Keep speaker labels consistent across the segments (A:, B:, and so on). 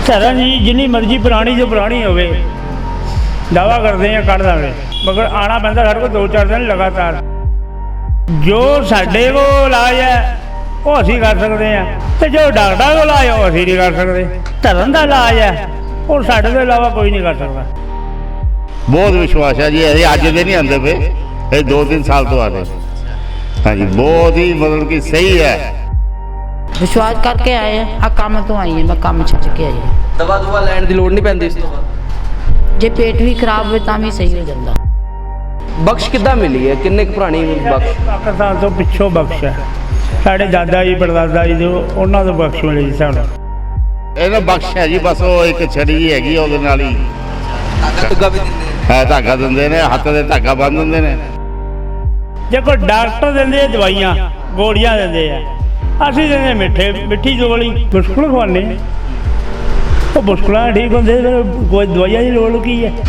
A: ਧਰਨ ਜੀ ਜਿੰਨੀ ਮਰਜ਼ੀ ਪੁਰਾਣੀ ਜੋ ਪੁਰਾਣੀ ਹੋਵੇ दावा करते हैं कट देंगे, मगर आना पैंदा साढ़े को 2-4 दिन लगातार। जो साढ़े को इलाज है वो असी कर सकते हैं, तो जो डॉक्टर को इलाज है वो असी नहीं कर सकते। धरन का इलाज है और साढ़े के इलावा कोई नहीं कर सकता।
B: बहुत विश्वास है जी, अभी अज दे नहीं आते पे, ये 2-3 साल तो आते। हाँ जी, बहुत ही मतलब कि सही है।
C: विश्वास करके आए हैं, आ काम तो आई है, मैं काम छड्ड के आई है।
D: दवा दुआ लैण दी लोड़ नहीं पैंदी इस तो बाद?
C: जे पेट भी खराब हो तां भी सही हो जाता।
D: बख्श किद्दां मिली है, किन्ने क पुरानी बख्श?
A: पाकिस्तान तो पिछों बख्श है, साढ़े दादा जी परदादा जी जो उन्होंने तो बख्श मिली जी सानू।
B: ਇਹਦਾ ਬਖਸ਼ ਹੈ ਜੀ, ਬਸ ਉਹ ਇੱਕ ਛੜੀ ਜੀ ਹੈਗੀ ਉਹਦੇ ਨਾਲ ਹੀ
D: ਧਾਗਾ ਵੀ ਦਿੰਦੇ
B: ਹੈ, ਧਾਗਾ ਦਿੰਦੇ ਨੇ, ਹੱਥ ਦੇ ਧਾਗਾ ਬੰਨ ਦਿੰਦੇ ਨੇ।
A: देखो डॉक्टर देंगे दवाइयाँ गोलियां देंगे है, असी देंगे मिठी गोली मुश्किल खवाने, वो मुश्किल ठीक होंगे, कोई दवाइयां की लोड़ की है।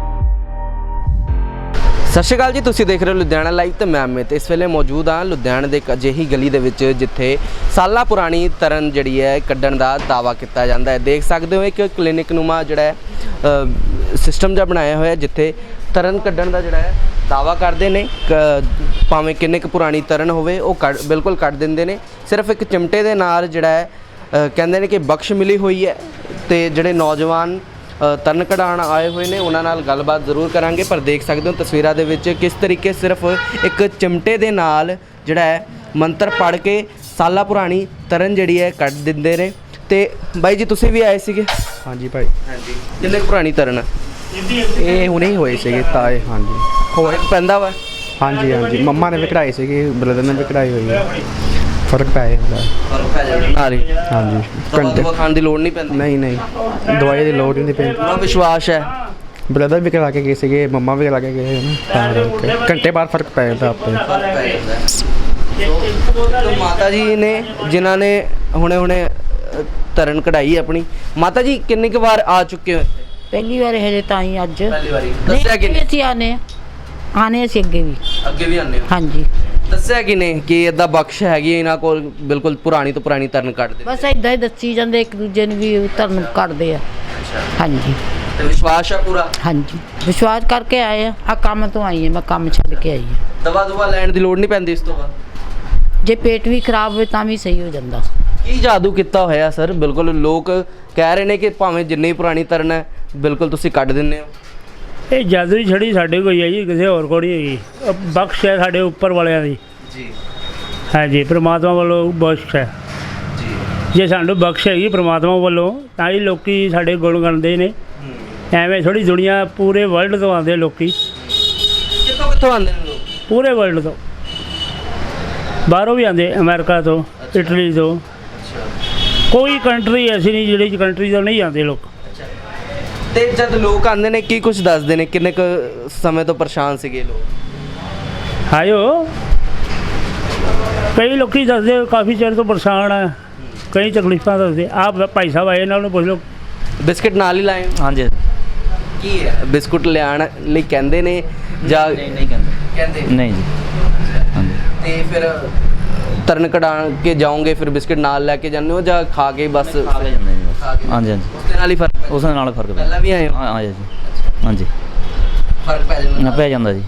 D: ਸਤਿ ਸ਼੍ਰੀ ਅਕਾਲ ਜੀ, ਤੁਸੀਂ ਦੇਖ ਰਹੇ ਹੋ ਲੁਧਿਆਣਾ ਲਾਈਵ ਤੇ ਮੈਂ ਅਮਿਤ। ਇਸ ਵੇਲੇ ਮੌਜੂਦ ਹਾਂ ਲੁਧਿਆਣਾ ਦੇ ਇੱਕ ਅਜਿਹੀ ਗਲੀ ਦੇ ਵਿੱਚ ਜਿੱਥੇ ਸਾਲਾਂ ਪੁਰਾਣੀ ਤਰਨ ਜਿਹੜੀ ਹੈ ਕੱਢਣ ਦਾ ਦਾਅਵਾ ਕੀਤਾ ਜਾਂਦਾ ਹੈ। ਦੇਖ ਸਕਦੇ ਹੋ ਇੱਕ ਕਲੀਨਿਕ ਨੂਮਾ ਜਿਹੜਾ ਹੈ ਸਿਸਟਮ ਜਿਹਾ ਬਣਾਇਆ ਹੋਇਆ, ਜਿੱਥੇ ਤਰਨ ਕੱਢਣ ਦਾ ਜਿਹੜਾ ਹੈ ਦਾਅਵਾ ਕਰਦੇ ਨੇ। ਭਾਵੇਂ ਕਿੰਨੇ ਕੁ ਪੁਰਾਣੀ ਤਰਨ ਹੋਵੇ ਉਹ ਬਿਲਕੁਲ ਕੱਢ ਦਿੰਦੇ ਨੇ। ਸਿਰਫ ਇੱਕ ਚਿਮਟੇ ਦੇ ਨਾਲ ਜਿਹੜਾ ਹੈ ਕਹਿੰਦੇ ਨੇ ਕਿ ਬਖਸ਼ ਮਿਲੀ ਹੋਈ ਹੈ। ਤੇ ਜਿਹੜੇ ਨੌਜਵਾਨ ਤਰਨ ਕਢਾਉਣ ਆਏ ਹੋਏ ਨੇ ਉਹਨਾਂ ਨਾਲ ਗੱਲਬਾਤ ਜ਼ਰੂਰ ਕਰਾਂਗੇ। ਪਰ ਦੇਖ ਸਕਦੇ ਹੋ ਤਸਵੀਰਾਂ ਦੇ ਵਿੱਚ ਕਿਸ ਤਰੀਕੇ ਸਿਰਫ ਇੱਕ ਚਿਮਟੇ ਦੇ ਨਾਲ ਜਿਹੜਾ ਹੈ ਮੰਤਰ ਪੜ੍ਹ ਕੇ ਸਾਲਾ ਪੁਰਾਣੀ ਤਰਨ ਜਿਹੜੀ ਹੈ ਕੱਢ ਦਿੰਦੇ ਨੇ। ਤੇ ਬਾਈ ਜੀ ਤੁਸੀਂ ਵੀ ਆਏ ਸੀਗੇ?
E: ਹਾਂਜੀ ਭਾਈ।
D: ਹਾਂਜੀ, ਕਿੰਨੇ ਕੁ ਪੁਰਾਣੀ ਤਰਨ?
E: ਇਹ ਹੁਣੇ ਹੀ ਹੋਏ ਸੀਗੇ ਤਾਏ। ਹਾਂਜੀ
D: ਹੋਰ ਪੈਂਦਾ ਵਾ?
E: ਹਾਂਜੀ ਹਾਂਜੀ, ਮੰਮਾ ਨੇ ਵੀ ਕਢਾਈ ਸੀਗੀ, ਬ੍ਰਦਰ ਨੇ ਵੀ ਕਢਾਈ ਹੋਈ ਹੈ, ਫਰਕ ਪੈ ਜਾਂਦਾ।
D: ਫਰਕ ਪੈ ਜਾਂਦਾ ਨਾਲ ਹੀ?
E: ਹਾਂਜੀ,
D: ਘੰਟੇ ਖਾਣ ਦੀ ਲੋੜ ਨਹੀਂ ਪੈਂਦੀ?
E: ਨਹੀਂ ਨਹੀਂ, ਦਵਾਈ ਦੀ ਲੋੜ ਨਹੀਂ ਪੈਂਦੀ।
D: ਪੂਰਾ ਵਿਸ਼ਵਾਸ ਹੈ?
E: ਬ੍ਰਦਰ ਵੀ ਕਰਾ ਕੇ ਗਏ ਸੀਗੇ, ਮੰਮਾ ਵੀ ਕਰਾ ਕੇ ਗਏ ਹਨ, ਤਾਂ ਕਰਕੇ ਘੰਟੇ ਬਾਅਦ ਫਰਕ ਪੈ ਜਾਂਦਾ ਆਪੇ।
D: तो माता जी ने जिन्होंने हुणे हुणे तरण कढ़ाई अपनी, माता जी किन्नी क बार आ चुके हो?
C: पहली बार हजे ताई अज
D: पहली बारी दस्सिया कि
C: ਅਸੀਂ ਆਨੇ ਅਸੀਂ ਅੱਗੇ ਵੀ।
D: ਅੱਗੇ ਵੀ ਆਨੇ ਹੋ?
C: ਹਾਂਜੀ,
D: ਦੱਸਿਆ ਕਿ ਨੇ ਕਿ ਇਦਾਂ ਬਖਸ਼ ਹੈਗੀ ਇਹਨਾਂ ਕੋਲ, ਬਿਲਕੁਲ ਪੁਰਾਣੀ ਤੋਂ ਪੁਰਾਣੀ ਤਰਨ ਕੱਢਦੇ?
C: ਬਸ ਇਦਾਂ ਹੀ ਦੱਸੀ ਜਾਂਦੇ ਇੱਕ ਦੂਜੇ ਨੂੰ ਵੀ ਧਰਨ ਕੱਢਦੇ ਆ। ਹਾਂਜੀ
D: ਤੇ ਵਿਸ਼ਵਾਸ ਹੈ ਪੂਰਾ?
C: ਹਾਂਜੀ, ਵਿਸ਼ਵਾਸ ਕਰਕੇ ਆਏ ਆ, ਆ ਕੰਮ ਤੋਂ ਆਈ ਹੈ, ਮੈਂ ਕੰਮ ਛੱਡ ਕੇ ਆਈ ਹਾਂ।
D: ਦਵਾ ਦੁਆ ਲੈਣ ਦੀ ਲੋੜ ਨਹੀਂ ਪੈਂਦੀ ਇਸ ਤੋਂ ਬਾਅਦ?
C: ਜੇ पेट भी खराब ਹੋਵੇ ਤਾਂ ਵੀ ਸਹੀ ਹੋ ਜਾਂਦਾ।
D: ਕੀ ਜਾਦੂ ਕੀਤਾ ਹੋਇਆ ਸਰ? ਬਿਲਕੁਲ ਲੋਕ ਕਹਿ ਰਹੇ ਨੇ ਕਿ ਭਾਵੇਂ ਜਿੰਨੀ ਪੁਰਾਣੀ ਤਰਨ ਹੈ ਬਿਲਕੁਲ ਤੁਸੀਂ ਕੱਢ ਦਿੰਦੇ ਹੋ।
A: ਇਹ ਜਾਦੂ ਦੀ ਛੜੀ ਸਾਡੇ ਕੋਈ ਹੈ ਜੀ, ਕਿਸੇ ਹੋਰ ਕੋਲ ਨਹੀਂ ਹੈਗੀ। ਬਖਸ਼ ਹੈ ਸਾਡੇ ਉੱਪਰ ਵਾਲਿਆਂ ਦੀ
D: ਜੀ।
A: ਹਾਂਜੀ, ਪ੍ਰਮਾਤਮਾ ਵੱਲੋਂ ਬਖਸ਼ ਹੈ
D: ਜੀ।
A: ਜੇ ਸਾਨੂੰ ਬਖਸ਼ ਹੈਗੀ ਪ੍ਰਮਾਤਮਾ ਵੱਲੋਂ ਤਾਂ ਹੀ ਲੋਕੀ ਸਾਡੇ ਗੁਣ ਗਾਉਂਦੇ ਨੇ। ਐਵੇਂ ਥੋੜੀ ਦੁਨੀਆ, ਪੂਰੇ ਵਰਲਡ ਤੋਂ ਆਉਂਦੇ ਲੋਕੀ,
D: ਕਿੱਥੋਂ ਕਿੱਥੋਂ ਆਉਂਦੇ ਨੇ ਲੋਕ?
A: ਪੂਰੇ ਵਰਲਡ ਤੋਂ, ਬਾਹਰੋਂ ਵੀ ਆਉਂਦੇ, ਅਮਰੀਕਾ ਤੋਂ, ਇਟਲੀ ਤੋਂ। ਕੋਈ ਕੰਟਰੀ ਐਸੀ ਨਹੀਂ ਜਿਹੜੀ ਕੰਟਰੀ ਤੋਂ ਨਹੀਂ ਆਉਂਦੇ ਲੋਕ।
D: ਤੇ ਜਦ ਲੋਕ ਆਉਂਦੇ ਨੇ ਕੀ ਕੁਝ ਦੱਸਦੇ ਨੇ? ਕਿੰਨੇ ਕੁ ਸਮੇਂ ਤੋਂ ਪਰੇਸ਼ਾਨ ਸੀਗੇ ਲੋਕ?
A: ਆਇਓ, ਕਈ ਲੋਕੀ ਦੱਸਦੇ ਕਾਫੀ ਚਿਰ ਤੋਂ ਪਰੇਸ਼ਾਨ ਆ, ਕਈ ਤਕਲੀਫਾਂ ਦੱਸਦੇ। ਆਪ ਭਾਈ ਸਾਹਿਬ ਆਏ ਨਾਲ ਨੂੰ ਪੁੱਛ ਲਓ।
D: ਬਿਸਕਟ ਨਾਲ ਹੀ ਲਾਏ?
F: ਹਾਂਜੀ।
D: ਕੀ ਹੈ ਬਿਸਕੁਟ ਲਿਆਉਣ ਲਈ ਕਹਿੰਦੇ ਨੇ ਜਾਂ
F: ਨਹੀਂ ਕਹਿੰਦੇ ਨਹੀਂ ਜੀ। ਹਾਂਜੀ।
D: ਤੇ ਫਿਰ ਤਰਨ ਕਢਾ ਕੇ ਜਾਓਗੇ ਫਿਰ ਬਿਸਕਟ ਨਾਲ ਲੈ ਕੇ ਜਾਂਦੇ ਹੋ ਜਾਂ ਖਾ ਕੇ ਬਸ?
F: ਖਾ ਕੇ ਜਾਂਦੇ ਜੀ ਬਸ। ਹਾਂਜੀ ਹਾਂਜੀ,
D: ਉਸ ਦੇ ਨਾਲ ਹੀ ਫਰਕ?
F: ਉਸ ਨਾਲ ਫਰਕ ਪੈਂਦਾ।
D: ਪਹਿਲਾਂ ਵੀ ਆਏ ਹੋ?
F: ਹਾਂਜੀ ਹਾਂਜੀ,
D: ਫਰਕ ਪੈ ਜਾਂਦਾ?
F: ਪੈ ਜਾਂਦਾ ਜੀ।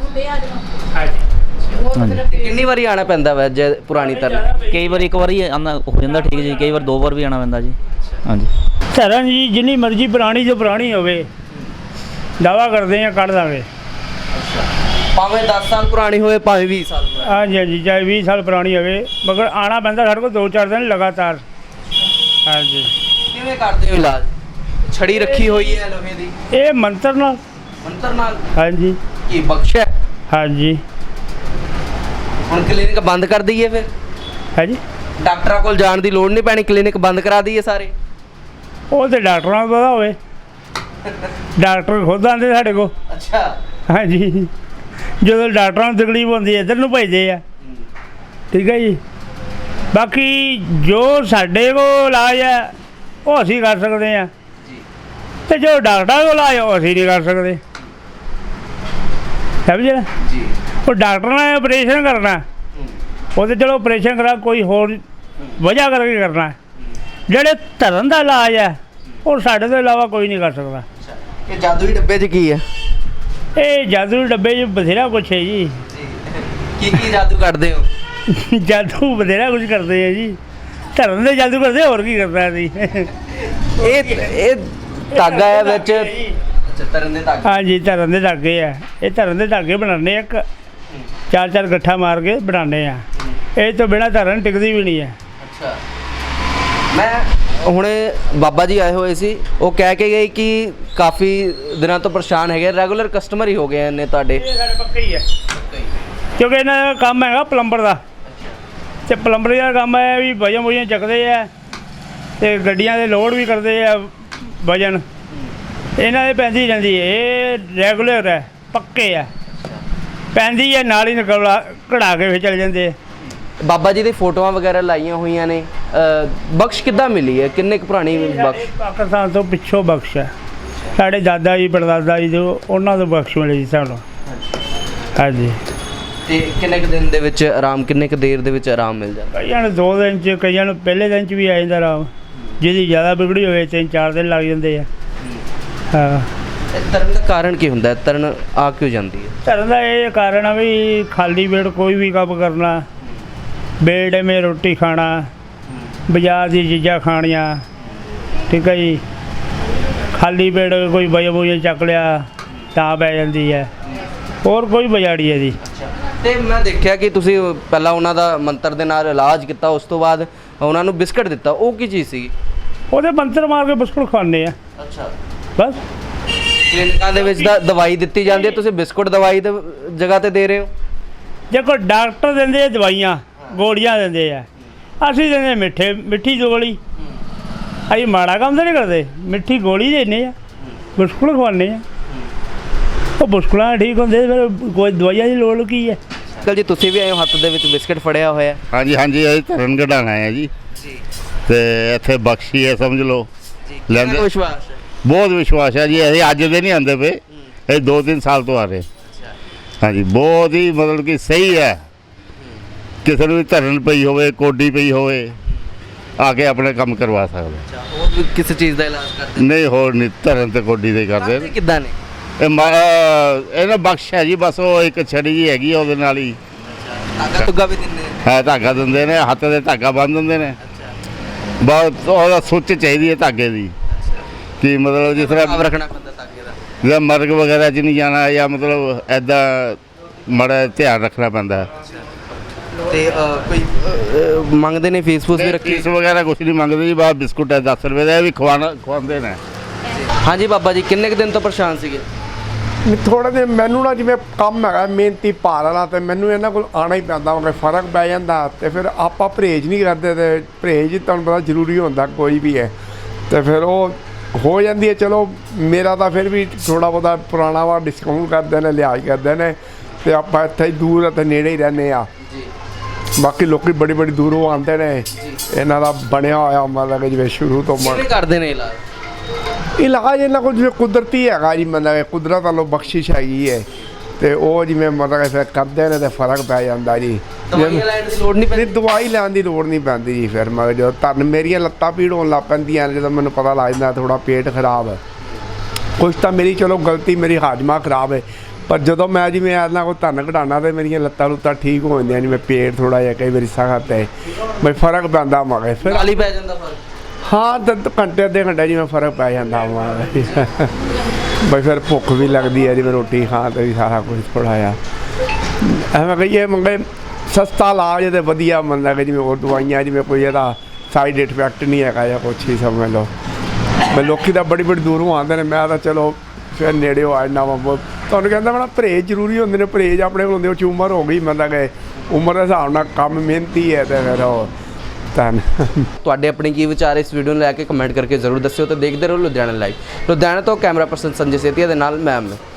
F: ਹਾਂਜੀ,
D: ਤੇ ਕਿੰਨੀ ਵਾਰੀ ਆਣਾ ਪੈਂਦਾ ਵੈ ਜੇ ਪੁਰਾਣੀ ਤਰਨ?
F: ਕਈ ਵਾਰ ਇੱਕ ਵਾਰੀ ਆਉਂਦਾ ਹੋ ਜਾਂਦਾ ਠੀਕ ਜੀ, ਕਈ ਵਾਰ 2 ਵਾਰ ਵੀ ਆਉਣਾ ਪੈਂਦਾ ਜੀ। ਹਾਂਜੀ।
A: ਧਰਨ ਜੀ ਜਿੰਨੀ ਮਰਜ਼ੀ ਪੁਰਾਣੀ ਜੋ ਪੁਰਾਣੀ ਹੋਵੇ दावा करते हैं कट देंगे।
D: ਭਾਵੇਂ 10 ਸਾਲ ਪੁਰਾਣੀ ਹੋਵੇ ਭਾਵੇਂ 20 ਸਾਲ ਪੁਰਾਣੀ?
A: हाँ जी हाँ जी, चाहे 20 साल पुरानी होवे, मगर आना पैंदा साढ़े को 2-4 दिन लगातार। हाँ जी।
D: ਕਿਵੇਂ ਕਰਦੇ ਹੋ ਇਲਾਜ? ਛੜੀ ਰੱਖੀ ਹੋਈ ਹੈ ਲੋਹੇ ਦੀ?
A: ये मंत्र नाल।
D: ਮੰਤਰ ਨਾਲ?
A: हाँ जी
D: ਕੀ ਬਖਸ਼ ਹੈ?
A: हाँ जी
D: ਹੁਣ ਕਲੀਨਿਕ ਬੰਦ ਕਰ ਦਈਏ ਫਿਰ?
A: हाँ जी,
D: ਡਾਕਟਰਾਂ ਕੋਲ ਜਾਣ ਦੀ ਲੋੜ ਨਹੀਂ ਪੈਣੀ, ਕਲੀਨਿਕ ਬੰਦ ਕਰਾ ਦਈਏ ਸਾਰੇ?
A: वो तो डॉक्टरों को पता होवे, डॉक्टर खुद आते साढ़े को।
D: ਅੱਛਾ।
A: हाँ जी, जो डॉक्टरों को तकलीफ होती है इधर नूं भेजदे आ। ठीक है जी, बाकी जो साढ़े को इलाज है वो असी कर सकते हैं, तो जो डॉक्टर को इलाज है वो असी नहीं कर सकते। समझे?
D: ਜੀ।
A: वो डॉक्टर ने ऑपरेशन करना, वो तो चलो ऑपरेशन करा, कोई होर वजह करके करना। ਜਿਹੜੇ ਧਰਨ ਦਾ ਇਲਾਜ ਹੈ ਉਹ ਸਾਡੇ ਤੋਂ ਇਲਾਵਾ ਕੋਈ ਨਹੀਂ ਕਰ ਸਕਦਾ।
D: ਇਹ ਜਾਦੂਈ ਡੱਬੇ 'ਚ ਕੀ ਹੈ?
A: ਇਹ ਜਾਦੂ ਡੱਬੇ 'ਚ ਬਥੇਰਾ ਕੁਛ ਹੈ ਜੀ।
D: ਕੀ ਜਾਦੂ ਕੱਢਦੇ ਹੋ?
A: ਜਾਦੂ ਬਥੇਰਾ ਕੁਝ ਕਰਦੇ ਆ ਜੀ, ਧਰਮ ਦੇ ਜਾਦੂ ਕਰਦੇ, ਹੋਰ ਕੀ ਕਰਦਾ ਸੀ।
D: ਇਹ ਧਾਗਾ ਹੈ ਵਿੱਚ, ਅੱਛਾ ਤਰਨ ਦੇ ਧਾਗੇ।
A: ਹਾਂਜੀ, ਧਰਮ ਦੇ ਧਾਗੇ ਆ, ਇਹ ਧਰਮ ਦੇ ਧਾਗੇ ਬਣਾਉਂਦੇ ਆ, ਇੱਕ 4-4 ਗੱਠਾ ਮਾਰ ਕੇ ਬਣਾਉਂਦੇ ਆ। ਇਹ ਤੋਂ ਬਿਨਾਂ ਧਰਨ ਟਿਕਦੀ ਵੀ ਨਹੀਂ ਹੈ।
D: ਅੱਛਾ, ਮੈਂ ਹੁਣੇ ਬਾਬਾ ਜੀ ਆਏ ਹੋਏ ਸੀ, ਉਹ ਕਹਿ ਕੇ ਗਏ ਕਿ ਕਾਫੀ ਦਿਨਾਂ ਤੋਂ ਪਰੇਸ਼ਾਨ ਹੈਗੇ, ਰੈਗੂਲਰ ਕਸਟਮਰ ਹੀ ਹੋ ਗਏ ਨੇ ਤੁਹਾਡੇ।
A: ਇਹ ਸਾਡੇ ਪੱਕੇ ਹੀ ਹੈ, ਕਿਉਂਕਿ ਇਹਨਾਂ ਦਾ ਕੰਮ ਹੈਗਾ ਪਲੰਬਰ ਦਾ, ਅਤੇ ਪਲੰਬਰ ਦਾ ਕੰਮ ਹੈ ਵੀ ਵਜਨ ਵੁਜਨ ਚੱਕਦੇ ਆ ਅਤੇ ਗੱਡੀਆਂ ਦੇ ਲੋਡ ਵੀ ਕਰਦੇ ਆ ਵਜਨ, ਇਹਨਾਂ ਦੇ ਪੈਂਦੀ ਰਹਿੰਦੀ ਹੈ। ਇਹ ਰੈਗੂਲਰ ਹੈ, ਪੱਕੇ ਆ, ਪੈਂਦੀ ਹੈ ਨਾਲ ਹੀ ਨਿਕਲ ਕਢਾ ਕੇ ਫਿਰ ਚਲੇ ਜਾਂਦੇ ਆ।
D: ਬਾਬਾ ਜੀ ਦੀ ਫੋਟੋਆਂ ਵਗੈਰਾ ਲਾਈਆਂ ਹੋਈਆਂ ਨੇ, ਬਖਸ਼ ਕਿੱਦਾਂ ਮਿਲੀ ਹੈ? ਕਿੰਨੇ ਕੁ ਪੁਰਾਣੀ ਬਖਸ਼?
A: ਇਹ ਪਾਕਿਸਤਾਨ ਤੋਂ ਪਿੱਛੋਂ ਬਖਸ਼ ਹੈ, ਸਾਡੇ ਦਾਦਾ ਜੀ ਪੜਦਾਦਾ ਜੀ ਤੋਂ ਉਹਨਾਂ ਤੋਂ ਬਖਸ਼ ਮਿਲੀ ਸੀ ਸਾਨੂੰ। ਹਾਂਜੀ।
D: ਤੇ ਕਿੰਨੇ ਕੁ ਦਿਨ ਦੇ ਵਿੱਚ ਆਰਾਮ, ਕਿੰਨੇ ਕੁ ਦੇਰ ਦੇ ਵਿੱਚ ਆਰਾਮ ਮਿਲ ਜਾਂਦਾ?
A: ਕਈਆਂ ਨੂੰ 2 ਦਿਨ 'ਚ, ਕਈਆਂ ਨੂੰ ਪਹਿਲੇ ਦਿਨ 'ਚ ਵੀ ਆ ਜਾਂਦਾ ਆਰਾਮ, ਜਿਹਦੀ ਜ਼ਿਆਦਾ ਵਿਗੜੀ ਹੋਵੇ 3-4 ਦਿਨ ਲੱਗ ਜਾਂਦੇ ਆ। ਹਾਂ।
D: ਤਰਨ ਦਾ ਕਾਰਨ ਕੀ ਹੁੰਦਾ ਹੈ? ਤਰਨ ਆ ਕਿਉਂ ਜਾਂਦੀ ਹੈ?
A: ਧਰਨ ਦਾ ਇਹ ਕਾਰਨ ਆ ਵੀ ਖਾਲੀ ਪੇਟ ਕੋਈ ਵੀ ਕੰਮ ਕਰਨਾ, ਬੇਟੇਮੇ ਰੋਟੀ ਖਾਣਾ, ਬਾਜ਼ਾਰ ਦੀ ਚੀਜ਼ਾਂ ਖਾਣੀਆਂ, ਠੀਕ ਹੈ ਜੀ। ਖਾਲੀ ਪੇਟ ਕੋਈ ਵਜਨ ਚੱਕ ਲਿਆ ਤਾਂ ਪੈ ਜਾਂਦੀ ਹੈ, ਹੋਰ ਕੋਈ ਬਜਾੜੀ ਹੈ ਜੀ।
D: ਤੇ ਮੈਂ ਦੇਖਿਆ ਕਿ ਤੁਸੀਂ ਪਹਿਲਾਂ ਉਹਨਾਂ ਦਾ ਮੰਤਰ ਦੇ ਨਾਲ ਇਲਾਜ ਕੀਤਾ, ਉਸ ਤੋਂ ਬਾਅਦ ਉਹਨਾਂ ਨੂੰ ਬਿਸਕਟ ਦਿੱਤਾ, ਉਹ ਕੀ ਚੀਜ਼ ਸੀ?
A: ਉਹਦੇ ਮੰਤਰ ਮਾਰ ਕੇ ਬਿਸਕੁਟ ਖਾਂਦੇ ਆ
D: ਅੱਛਾ,
A: ਬਸ।
D: ਕਲੀਨਿਕਾਂ ਦੇ ਵਿੱਚ ਤਾਂ ਦਵਾਈ ਦਿੱਤੀ ਜਾਂਦੀ ਹੈ, ਤੁਸੀਂ ਬਿਸਕੁਟ ਦਵਾਈ ਦੇ ਜਗ੍ਹਾ ਤੇ ਦੇ ਰਹੇ ਹੋ?
A: ਦੇਖੋ ਡਾਕਟਰ ਦਿੰਦੇ ਆ ਦਵਾਈਆਂ, ਗੋਲੀਆਂ ਦਿੰਦੇ ਆ, ਅਸੀਂ ਦਿੰਦੇ ਮਿੱਠੀ ਗੋਲੀ। ਅਸੀਂ ਮਾੜਾ ਕੰਮ ਤਾਂ ਨਹੀਂ ਕਰਦੇ, ਮਿੱਠੀ ਗੋਲੀ ਦਿੰਦੇ ਆ, ਬਿਸਕੁਟ ਖਵਾਉਂਦੇ ਆ, ਉਹ ਬਿਸਕੁਟਾਂ ਠੀਕ ਹੁੰਦੇ, ਫਿਰ ਕੋਈ ਦਵਾਈਆਂ ਦੀ ਲੋੜ ਕੀ ਹੈ।
D: ਅੰਕਲ ਜੀ ਤੁਸੀਂ ਵੀ ਆਏ ਹੋ, ਹੱਥ ਦੇ ਵਿੱਚ ਬਿਸਕਟ ਫੜਿਆ ਹੋਇਆ?
B: ਹਾਂਜੀ ਹਾਂਜੀ, ਅਸੀਂ ਧਰਨ ਕਢਾਉਣਾ ਹੈ ਜੀ, ਤੇ ਇੱਥੇ ਬਖਸ਼ੀ ਹੈ ਸਮਝ ਲਓ। ਲੈਂਦੇ
D: ਵਿਸ਼ਵਾਸ ਹੈ?
B: ਬਹੁਤ ਵਿਸ਼ਵਾਸ ਹੈ ਜੀ, ਅਸੀਂ ਅੱਜ ਦੇ ਨਹੀਂ ਆਉਂਦੇ ਪਏ, ਇਹ 2-3 ਸਾਲ ਤੋਂ ਆ ਰਹੇ। ਹਾਂਜੀ, ਬਹੁਤ ਹੀ ਮਤਲਬ ਕਿ ਸਹੀ ਹੈ। ਕਿਸੇ ਨੂੰ ਵੀ ਧਰਨ ਪਈ ਹੋਵੇ, ਕੋਡੀ ਪਈ ਹੋਵੇ, ਆ ਕੇ ਆਪਣੇ ਕੰਮ ਕਰਵਾ ਸਕਦਾ।
D: ਹੋਰ ਵੀ ਕਿਸੇ ਚੀਜ਼ ਦਾ ਇਲਾਜ ਕਰਦੇ?
B: ਨਹੀਂ, ਹੋਰ ਨਹੀਂ, ਧਰਨ ਤੇ ਕੋਡੀ ਦੇ ਕਰਦੇ ਨੇ।
D: ਕਿੱਦਾਂ ਨੇ?
B: ਇਹਨਾਂ ਬਖਸ਼ ਹੈ ਜੀ, ਬਸ ਉਹ ਇੱਕ ਛੜੀ ਜੀ ਹੈਗੀ ਆ, ਉਹਦੇ ਨਾਲ ਹੀ
D: ਧਾਗਾ ਧੁੱਗਾ ਵੀ ਦਿੰਦੇ ਨੇ?
B: ਹੈ, ਧਾਗਾ ਦਿੰਦੇ ਨੇ, ਹੱਥ ਦੇ ਧਾਗਾ ਬੰਨ੍ਹ ਦਿੰਦੇ ਨੇ। ਬਹੁਤ ਉਹਦਾ ਸੁੱਚ ਚਾਹੀਦੀ ਹੈ ਧਾਗੇ ਦੀ, ਕਿ ਮਤਲਬ ਜਿਸ ਤਰ੍ਹਾਂ
D: ਰੱਖਣਾ ਪੈਂਦਾ ਧਾਗੇ ਦਾ,
B: ਜਾਂ ਮਰਗ ਵਗੈਰਾ 'ਚ ਨਹੀਂ ਜਾਣਾ, ਜਾਂ ਮਤਲਬ ਐਦਾਂ ਮਾੜਾ ਧਿਆਨ ਰੱਖਣਾ ਪੈਂਦਾ।
D: ਤੇ ਕੋਈ ਮੰਗਦੇ ਨੇ ਫੀਸ ਵੀ ਰੱਖੀ?
B: ਫੀਸ ਵਗੈਰਾ ਕੁਛ ਨਹੀਂ ਮੰਗਦੇ ਜੀ, ਬਾਹਰ ਬਿਸਕੁਟ ਹੈ 10 ਰੁਪਏ ਦਾ, ਇਹ ਵੀ ਖਵਾਉਂਦੇ ਨੇ।
D: ਹਾਂਜੀ ਬਾਬਾ ਜੀ, ਕਿੰਨੇ ਕੁ ਦਿਨ ਤੋਂ ਪਰੇਸ਼ਾਨ ਸੀਗੇ?
G: ਥੋੜ੍ਹੇ ਦਿਨ ਮੈਨੂੰ ਨਾ, ਜਿਵੇਂ ਕੰਮ ਹੈਗਾ ਮਿਹਨਤੀ ਭਾਰ ਵਾਲਾ, ਅਤੇ ਮੈਨੂੰ ਇਹਨਾਂ ਕੋਲ ਆਉਣਾ ਹੀ ਪੈਂਦਾ, ਉਹ ਫਰਕ ਪੈ ਜਾਂਦਾ। ਅਤੇ ਫਿਰ ਆਪਾਂ ਪਰਹੇਜ਼ ਨਹੀਂ ਕਰਦੇ, ਅਤੇ ਪਰਹੇਜ਼ ਤੁਹਾਨੂੰ ਪਤਾ ਜ਼ਰੂਰੀ ਹੁੰਦਾ ਕੋਈ ਵੀ ਹੈ, ਅਤੇ ਫਿਰ ਉਹ ਹੋ ਜਾਂਦੀ ਹੈ। ਚਲੋ ਮੇਰਾ ਤਾਂ ਫਿਰ ਵੀ ਥੋੜ੍ਹਾ ਬਹੁਤਾ ਪੁਰਾਣਾ ਵਾ, ਡਿਸਕਾਊਂਟ ਕਰਦੇ ਨੇ, ਲਿਹਾਜ਼ ਕਰਦੇ ਨੇ, ਅਤੇ ਆਪਾਂ ਇੱਥੇ ਹੀ ਦੂਰ ਅਤੇ ਨੇੜੇ ਹੀ ਰਹਿੰਦੇ ਆ। ਬਾਕੀ ਲੋਕ ਬੜੀ ਦੂਰੋਂ ਆਉਂਦੇ ਨੇ, ਇਹਨਾਂ ਦਾ ਬਣਿਆ ਹੋਇਆ ਮਤਲਬ ਕਿ ਜਿਵੇਂ ਸ਼ੁਰੂ ਤੋਂ
D: ਕਰਦੇ ਨੇ
G: ਇਲਾਜ ਇਹਨਾਂ ਕੋਲ ਜਿਵੇਂ ਕੁਦਰਤੀ ਹੈਗਾ ਜੀ, ਮਤਲਬ ਕੁਦਰਤ ਵੱਲੋਂ ਬਖਸ਼ਿਸ਼ ਹੈਗੀ ਹੈ, ਅਤੇ ਉਹ ਜਿਵੇਂ ਮਤਲਬ ਫਿਰ ਕਰਦੇ ਨੇ, ਅਤੇ ਫਰਕ ਪੈ ਜਾਂਦਾ ਜੀ।
D: ਦਵਾਈ ਲੈਣ ਦੀ ਲੋੜ ਨਹੀਂ ਪੈਂਦੀ?
G: ਦਵਾਈ ਲੈਣ ਦੀ ਲੋੜ ਨਹੀਂ ਪੈਂਦੀ ਜੀ। ਫਿਰ ਮੈਂ ਜਦੋਂ ਧਰਨ ਮੇਰੀਆਂ ਲੱਤਾਂ ਪੀੜ ਹੋਣ ਲੱਗ ਪੈਂਦੀਆਂ, ਜਦੋਂ ਮੈਨੂੰ ਪਤਾ ਲੱਗ ਜਾਂਦਾ ਥੋੜ੍ਹਾ ਪੇਟ ਖਰਾਬ ਹੈ, ਕੁਛ ਤਾਂ ਮੇਰੀ ਚਲੋ ਗਲਤੀ, ਮੇਰੀ ਹਾਜ਼ਮਾ ਖਰਾਬ ਹੈ, ਪਰ ਜਦੋਂ ਮੈਂ ਜਿਵੇਂ ਇਹਨਾਂ ਕੋਲ ਧਰਨ ਕਢਾਉਣਾ, ਤਾਂ ਮੇਰੀਆਂ ਲੱਤਾਂ ਲੁੱਤਾਂ ਠੀਕ ਹੋ ਜਾਂਦੀਆਂ, ਜਿਵੇਂ ਪੇਟ ਥੋੜ੍ਹਾ ਜਿਹਾ ਕਈ ਵਾਰੀ ਸਖਤ ਹੈ, ਬਈ ਫਰਕ ਪੈਂਦਾ ਮਗੇ ਫਿਰ
D: ਨਾਲ ਹੀ ਪੈ ਜਾਂਦਾ ਫਰਕ?
G: ਹਾਂ, ਘੰਟੇ ਅੱਧੇ ਘੰਟੇ ਜਿਵੇਂ ਫਰਕ ਪੈ ਜਾਂਦਾ ਵਾ। ਬਈ ਫਿਰ ਭੁੱਖ ਵੀ ਲੱਗਦੀ ਹੈ, ਜਿਵੇਂ ਰੋਟੀ ਖਾਣ 'ਤੇ ਵੀ ਸਾਰਾ ਕੁਝ ਥੋੜ੍ਹਾ ਜਿਹਾ ਐਵੇਂ ਕਹੀਏ ਮੰਗੇ ਸਸਤਾ ਇਲਾਜ ਅਤੇ ਵਧੀਆ ਮਤਲਬ ਕਿ ਜਿਵੇਂ ਹੋਰ ਦਵਾਈਆਂ, ਜਿਵੇਂ ਕੋਈ ਇਹਦਾ ਸਾਈਡ ਇਫੈਕਟ ਨਹੀਂ ਹੈਗਾ ਜਾਂ ਕੁਛ ਹੀ ਸਮਝ ਲਓ। ਮੈਂ ਲੋਕੀ ਤਾਂ ਬੜੀ ਦੂਰੋਂ ਆਉਂਦੇ ਨੇ, ਮੈਂ ਤਾਂ ਚਲੋ ਫਿਰ ਨੇੜੇ ਆ ਜਾਂਦਾ ਵਾ। ਤੁਹਾਨੂੰ ਕਹਿੰਦਾ ਮੈਂ ਪਰਹੇਜ਼ ਜ਼ਰੂਰੀ ਹੁੰਦੇ ਨੇ, ਪਰਹੇਜ਼ ਆਪਣੇ ਕੋਲ ਹੁੰਦੇ, ਉਹ 'ਚ ਉਮਰ ਹੋ ਗਈ, ਮਤਲਬ ਕਿ ਉਮਰ ਦੇ ਹਿਸਾਬ ਨਾਲ ਕੰਮ ਮਿਹਨਤੀ ਹੈ, ਅਤੇ ਫਿਰ ਉਹ
D: ਤੁਹਾਡੇ ਆਪਣੇ ਕੀ ਵਿਚਾਰ ਇਸ ਵੀਡੀਓ ਨੂੰ ਲੈ ਕੇ ਕਮੈਂਟ ਕਰਕੇ ਜ਼ਰੂਰ ਦੱਸਿਓ, ਤੇ ਦੇਖਦੇ ਰਹੋ ਲੁਧਿਆਣਾ ਲਾਈਵ। ਲੁਧਿਆਣਾ ਤੋਂ ਕੈਮਰਾ ਪਰਸਨ ਸੰਜੇ ਸੇਤੀਆ ਦੇ ਨਾਲ ਮੈਂ